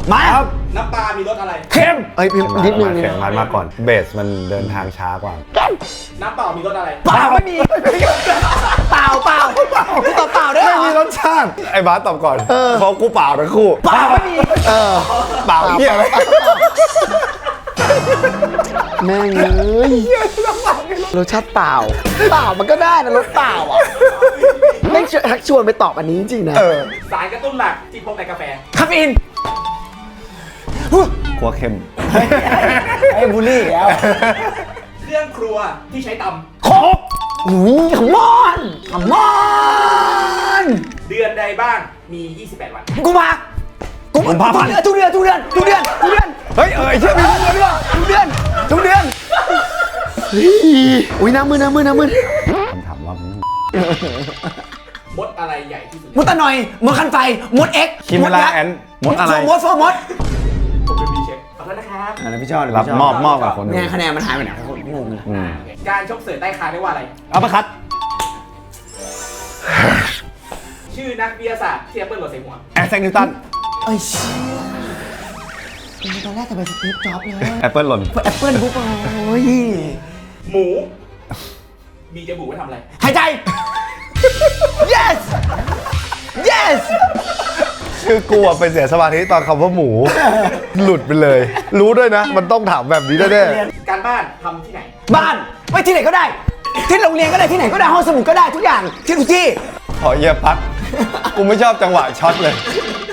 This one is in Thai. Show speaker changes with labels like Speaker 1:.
Speaker 1: มาครับ
Speaker 2: น้ำปลามีรสอะไร
Speaker 1: เค็มเอ้ยนิดนึง
Speaker 3: เข็มมาก่อนเบสมันเดินทางช้ากว่า
Speaker 2: น้ำเปล่ามีรสอะไร
Speaker 1: เปล่าไม่มีเปล่าเปล่าเปล่าพี่ตอบเปล่าได้เหร
Speaker 3: ไม่มี
Speaker 1: อ
Speaker 3: รสชาติไอ้บาสตอบก่อนเพราะกูเปล่าทั้งคู่
Speaker 1: เปล่าไม่มี
Speaker 3: เปล่าเหี้ยอะไร
Speaker 1: แม่งเลยรสชาติเปล่าเปล่ามันก็ได้นะรสเปล่าอ่ะไม่ชักชวนไปตอบอันนี้จริงๆนะ
Speaker 2: สารกระตุ้นหลักที่พบในกาแฟ
Speaker 1: คาเฟอีน
Speaker 3: กลัวเค็ม
Speaker 1: ไอ้บูลลี่แล้ว
Speaker 2: เครื่องครัวที่ใช้ต
Speaker 1: ครบอุ้ยขมอนขมอน
Speaker 2: ำเดือนใดบ้างมี 28 วัน
Speaker 1: กูมาทุกเดือน
Speaker 3: เฮ้ยไอ้เชี่ยมี
Speaker 1: ทุกเดือนอุ้ยน้ำมือ
Speaker 3: คำถามว่ามึง
Speaker 2: มดอะไรใหญ่ที่สุด
Speaker 1: มดตะหน่อยมดคันไฟมดเอ็ก
Speaker 3: คิมเวลาแอนมดอะไร
Speaker 1: มดมด
Speaker 2: ผมเป็นบีเช็คขอโทษนะครับ
Speaker 1: อะไรพี่ชอบ
Speaker 3: รับมอบกับคนดู
Speaker 1: ไงคะแนนมันหายไปไหนคนงงเลย
Speaker 3: อืม
Speaker 2: โอเคการชกเสือใต้คางเรียกว่าอะไร
Speaker 3: เอาประคัด
Speaker 2: ชื่อนักวิทยาศาสตร์ที่แอปเปิลโหลดใส่หัว
Speaker 3: แอร์แซงนิวตัน
Speaker 1: เอ้ยเชี่ยตอนแรกจะไปสตีฟจ็อบเลย
Speaker 3: แอปเปิลหล่น
Speaker 1: แอปเปิลบุ๊กโอ้ย
Speaker 2: หมู มีจมูกไว้ทำอะไร
Speaker 1: หายใจ yes yes
Speaker 3: คือกูอะไปเสียสมาธิตอนคำว่าหมู หลุดไปเลย รู้ด้วยนะ มันต้องถามแบบนี้แน่
Speaker 2: การบ้านทำที่ไหน
Speaker 1: บ้านไว้ที่ไหนก็ได้ ที่โรงเรียนก็ได้ที่ไหนก็ได้ห้องสมุดก็ได้ทุกอย่างที่ทุกที่
Speaker 3: ๆขอเยียพัด กูไม่ชอบจังหวะช็อตเลย